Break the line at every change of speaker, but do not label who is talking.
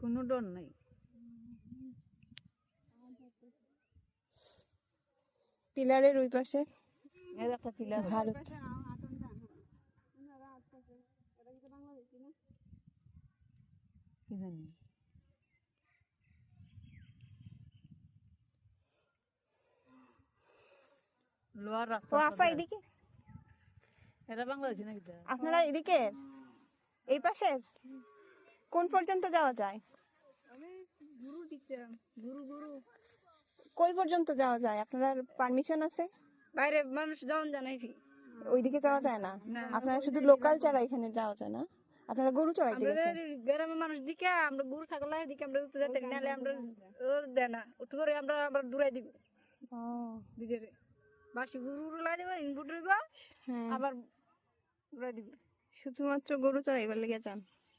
কোনো ডর নাই।
পিলারের ওই পাশে
এর একটা পিলার
ভারত।
কি জানি লোহার রাস্তা।
ও আপা এদিকে,
এটা বাংলাদেশি নাকি?
আপনারা এদিকে এই পাশে কোন পর্যন্ত যাওয়া যায়?
গুরু দেখতাম, গুরু গুরু
কই পর্যন্ত যাওয়া যায়? আপনার পারমিশন আছে?
বাইরে মানুষ যাওন জানাই কি
ওইদিকে যাওয়া যায় না? আপনারা শুধু লোকাল ছাড়া এখানে যাওয়া যায় না? আপনারা গরু চড়াইতে গেছেন?
গ্রামের মানুষ দিকে আমরা গরু ছাগল দিকে আমরা উঠতে যেতে নাহলে আমরা দেয় না উঠতে করে আমরা আবার দূরাই দিব
ও
দিদিরে বাসি গরু লাই দেবো ইনপুট
হ্যাঁ,
আবার দূরাই দিব।
শুধুমাত্র গরু চড়াইবার লেগে যান?